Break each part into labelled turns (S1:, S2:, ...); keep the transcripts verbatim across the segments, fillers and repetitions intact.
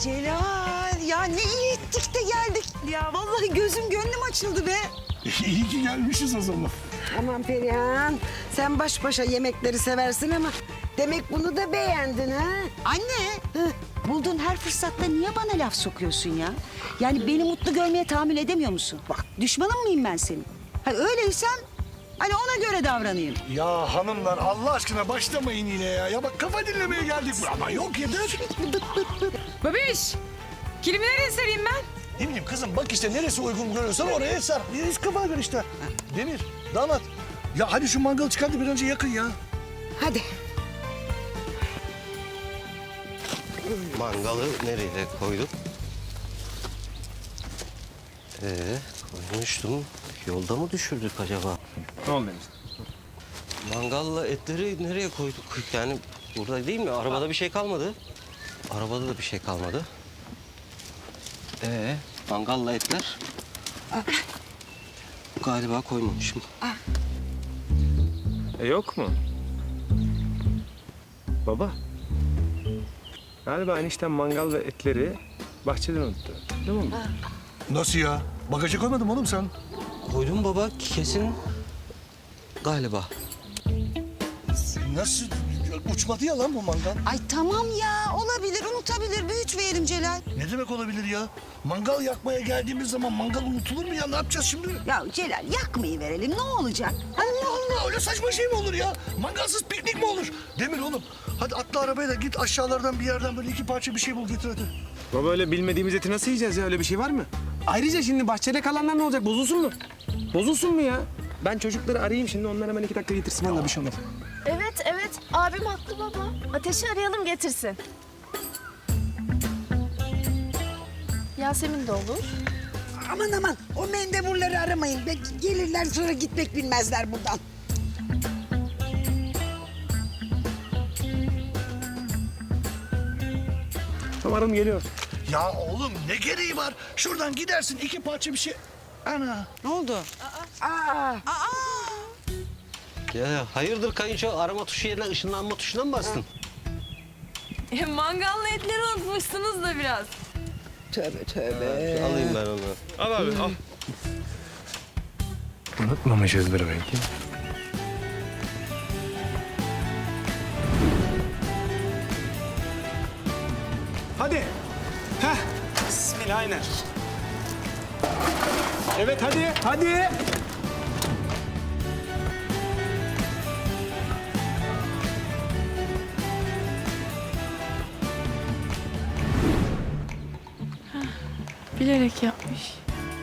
S1: Celal ya ne iyi ettik de geldik. Ya vallahi gözüm gönlüm açıldı be.
S2: İyi ki gelmişiz o zaman.
S3: Aman Perihan, sen baş başa yemekleri seversin ama demek bunu da beğendin ha?
S1: Anne. Bulduğun her fırsatta niye bana laf sokuyorsun ya? Yani beni mutlu görmeye tahammül edemiyor musun? Bak düşmanın mıyım ben senin? Ha, öyleysen hani ona göre davranayım.
S2: Ya hanımlar Allah aşkına başlamayın yine ya. Ya bak kafa dinlemeye geldik. Ama yok yeter.
S4: Babiş, kilimi nereye sereyim ben?
S2: Ne bileyim kızım bak işte neresi uygun görüyorsan oraya sar. Hiç kafana göre işte. Demir, damat. Ya hadi şu mangalı çıkar da bir önce yakın ya.
S3: Hadi.
S5: Mangalı nereye koyduk? Ee, koymuştum. Yolda mı düşürdük acaba?
S6: Ne oldu enişte?
S5: Mangalla etleri nereye koyduk? Yani burada değil mi? Arabada bir şey kalmadı. Arabada da bir şey kalmadı. Ee, mangalla etler? Galiba koymamışım.
S6: E yok mu? Baba. Galiba enişten mangal ve etleri bahçeden unuttu. Değil mi?
S2: Nasıl ya? Bagaja koymadın mı oğlum sen?
S5: Koydum baba kesin. Galiba.
S2: Nasıl? Uçmadı ya lan bu mangal.
S1: Ay tamam ya olabilir unutabilir büyütmeyelim Celal.
S2: Ne demek olabilir ya? Mangal yakmaya geldiğimiz zaman mangal unutulur mu ya? Ne yapacağız şimdi?
S1: Ya Celal yakmayı verelim ne olacak?
S2: Allah Allah öyle saçma şey mi olur ya? Mangalsız piknik mi olur? Demir oğlum hadi atla arabaya da git aşağılardan bir yerden böyle iki parça bir şey bul getir hadi.
S6: Baba öyle bilmediğimiz eti nasıl yiyeceğiz ya? Öyle bir şey var mı? Ayrıca şimdi bahçede kalanlar ne olacak? Bozulsun mu? Bozulsun mu ya? Ben çocukları arayayım şimdi. Onlar hemen iki dakika getirsin. Vallahi bir şey olmaz.
S7: Evet, evet. Abim haklı baba. Ateşi arayalım getirsin. Yasemin de olur.
S3: Aman aman, o mendeburları aramayın. Be- Gelirler sonra gitmek bilmezler buradan.
S6: Tamam arım geliyor.
S2: Ya oğlum ne gereği var? Şuradan gidersin iki parça bir şey. Ana.
S1: Ne oldu?
S3: Aa,
S5: Ya hayırdır kayınço? Arama tuşu yerine ışınlanma tuşuna mı bastın?
S7: E, mangallı etleri unutmuşsunuz da biraz.
S3: tövbe tövbe.
S5: Alayım ben onu.
S6: Al abi al. Unutmamışızdır belki. Hadi. Heh. Bismillah aynen. Evet hadi, hadi.
S7: Bilerek yapmış.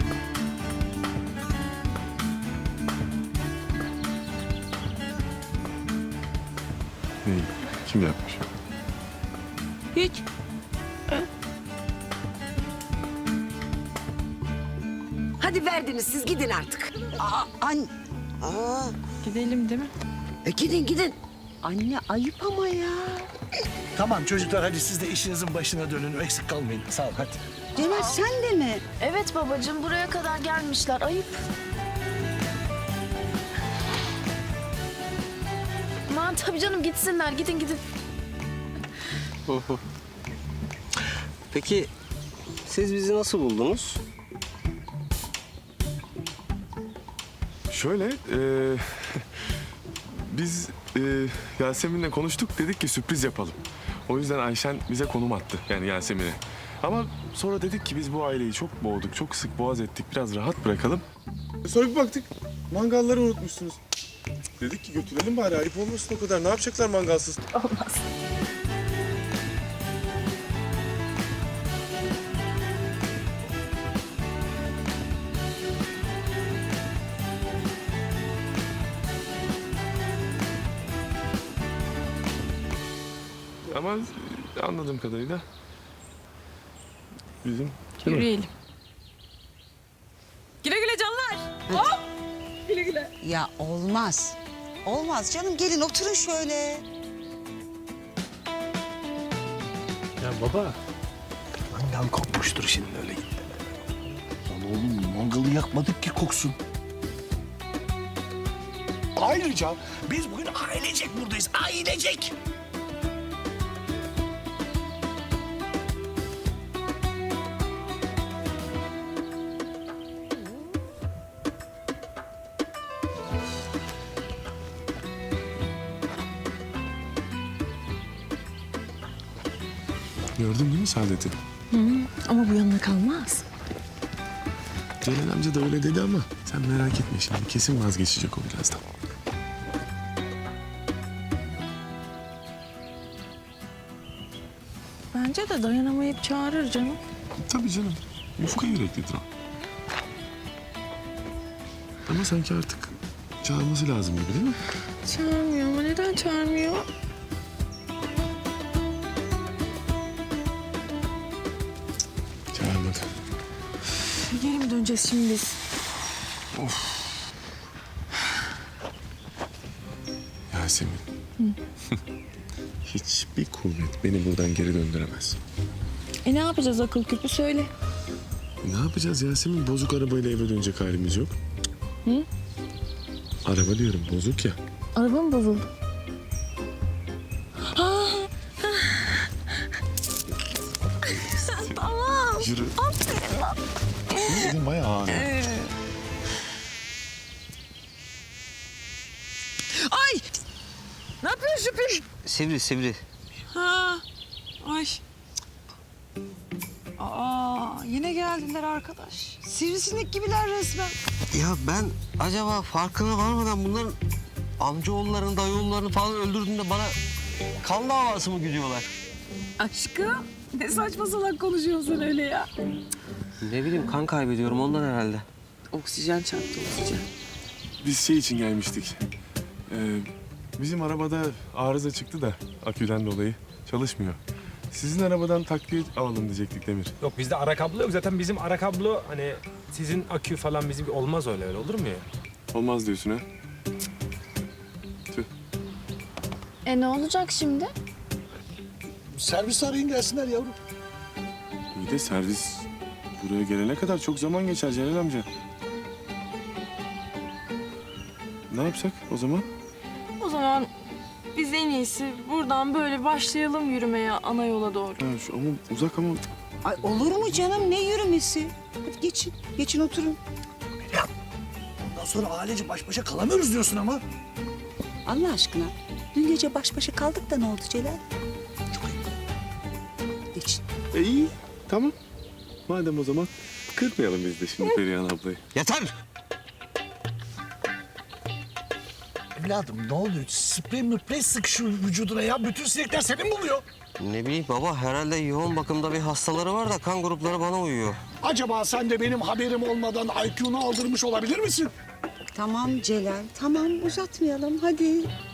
S6: Kim yapmış?
S7: Hiç.
S3: Hadi verdiniz siz gidin artık.
S1: An
S3: Aa,
S7: Gidelim değil mi?
S3: e gidin gidin.
S1: anne ayıp ama ya.
S2: Tamam çocuklar hadi siz de işinizin başına dönün. Eksik kalmayın. Sağ ol hadi.
S1: Celal sen de mi?
S7: Evet babacığım buraya kadar gelmişler. Ayıp. Aman tabii canım gitsinler. Gidin gidin.
S5: Peki siz bizi nasıl buldunuz?
S8: Şöyle, e, biz e, Yasemin'le konuştuk, dedik ki sürpriz yapalım. O yüzden Ayşen bize konum attı, yani Yasemin'e. Ama sonra dedik ki biz bu aileyi çok boğduk, çok sık boğaz ettik, biraz rahat bırakalım.
S9: Sonra bir baktık, mangalları unutmuşsunuz. Dedik ki götürelim bari, ayıp olmasın o kadar. Ne yapacaklar mangalsız?
S7: Olmaz.
S8: Ama anladığım kadarıyla bizim...
S7: Yürüyelim. Güle güle canlar. Hop. Güle güle.
S1: Ya olmaz. Olmaz canım gelin oturun şöyle.
S2: Ya baba. Mangal kokmuştur şimdi öyle gitti. Lan oğlum mangalı yakmadık ki koksun. Ayrıca biz bugün ailecek buradayız. Ailecek.
S8: Gördün değil mi Saadet'i?
S7: Ama bu yanına kalmaz.
S8: Celal amca da öyle dedi ama sen merak etme şimdi. Kesin vazgeçecek o birazdan.
S7: Bence de dayanamayıp çağırır canım.
S8: Tabii canım. Yufka yüreklidir o. Ama sanki artık çağırması lazım gibi değil mi?
S7: Çağırmıyor ama neden çağırmıyor?
S8: Çağırmadı.
S7: Geri mi döneceğiz şimdi biz?
S8: Yasemin. Hiçbir kuvvet beni buradan geri döndüremez.
S7: E ne yapacağız akıl küpü söyle.
S8: Ne yapacağız Yasemin? Bozuk arabayla eve dönecek halimiz yok.
S7: Hı?
S8: Araba diyorum bozuk ya.
S7: Araba mı bozuldu? Tamam.
S8: Yürü.
S7: Aferin lan.
S8: Dedim bayağı ağır.
S4: Ay! Ne yapıyorsun Şüphin?
S5: Sivri sivri.
S4: Ha. Ay. Aa, yine geldiler arkadaş. Sivrisinek gibiler resmen.
S5: Ya ben acaba farkına varmadan bunların amcaoğullarını, dayıoğullarını falan öldürdüğünde bana kan davası mı güdüyorlar?
S4: Aşkım, ne saçma salak konuşuyorsun sen öyle ya.
S5: Ne bileyim kan kaybediyorum ondan herhalde.
S4: Oksijen çarptı oksijen.
S8: Biz şey için gelmiştik. Ee, bizim arabada arıza çıktı da aküden dolayı çalışmıyor. Sizin arabadan takviye alalım diyecektik Demir.
S6: Yok bizde ara kablo yok. Zaten bizim ara kablo hani sizin akü falan bizim olmaz öyle öyle olur mu ya?
S8: Olmaz diyorsun ha? Tüh.
S7: E ne olacak şimdi?
S2: Servis arayın gelsinler yavrum.
S8: İyi de servis buraya gelene kadar çok zaman geçer Celal amca. Ne yapsak o zaman?
S7: O zaman biz en iyisi buradan böyle başlayalım yürümeye ana yola doğru.
S8: Ha, şu, ama uzak ama
S1: Ay olur mu canım, ne yürümesi? Hadi geçin, geçin oturun.
S2: Ondan sonra ailece baş başa kalamıyoruz diyorsun ama.
S1: Allah aşkına, dün gece baş başa kaldık da ne oldu Celal? Geçin.
S8: E, iyi tamam. Madem o zaman kırmayalım biz de şimdi Perihan ablayı.
S5: Yeter!
S2: Evladım ne oluyor? Sprey müprey sık şu vücuduna ya. Bütün sinekler seni mi buluyor?
S5: Ne bileyim baba herhalde yoğun bakımda bir hastaları var da kan grupları bana uyuyor.
S2: Acaba sen de benim haberim olmadan I Q'nu aldırmış olabilir misin?
S1: Tamam Celal, tamam uzatmayalım hadi.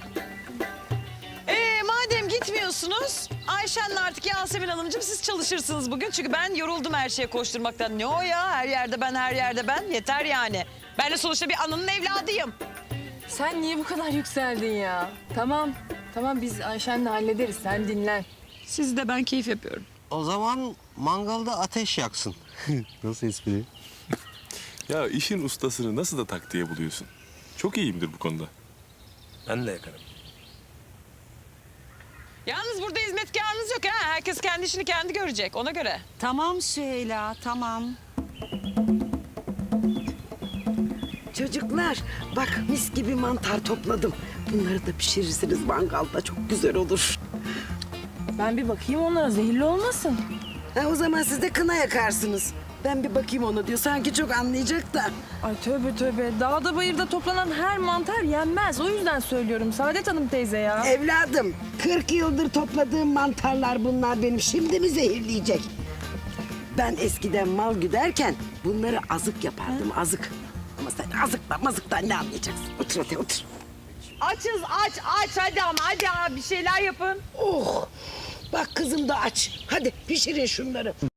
S4: Ee, madem gitmiyorsunuz, Ayşen'le artık Yasemin Hanımcığım siz çalışırsınız bugün. Çünkü ben yoruldum her şeye koşturmaktan. Ne o ya? Her yerde ben, her yerde ben. Yeter yani. Ben de sonuçta bir ananın evladıyım.
S7: Sen niye bu kadar yükseldin ya? Tamam, tamam biz Ayşen'le hallederiz. Sen dinlen.
S4: Siz de ben keyif yapıyorum.
S5: O zaman mangalda ateş yaksın. Nasıl espri?
S8: Ya işin ustasını nasıl da taktiğe buluyorsun? Çok iyiyimdir bu konuda.
S6: Ben de yakarım.
S4: Yalnız burada hizmetkarınız yok ha. Herkes kendi işini kendi görecek ona göre.
S1: Tamam Süheyla, tamam.
S3: Çocuklar bak mis gibi mantar topladım. Bunları da pişirirsiniz mangalda çok güzel olur.
S7: Ben bir bakayım onlara zehirli olmasın.
S3: Ha, o zaman siz de kına yakarsınız. Ben bir bakayım ona diyor. Sanki çok anlayacak da.
S7: Ay tövbe tövbe. Dağda bayırda toplanan her mantar yenmez. O yüzden söylüyorum Saadet Hanım teyze ya.
S3: Evladım kırk yıldır topladığım mantarlar bunlar benim. Şimdi mi zehirleyecek? Ben eskiden mal güderken bunları azık yapardım azık. Ama sen azıkla mazıktan ne anlayacaksın? Otur hadi otur.
S4: Açız aç aç hadi ama hadi abi bir şeyler yapın.
S3: Oh! Bak kızım da aç. Hadi pişirin şunları.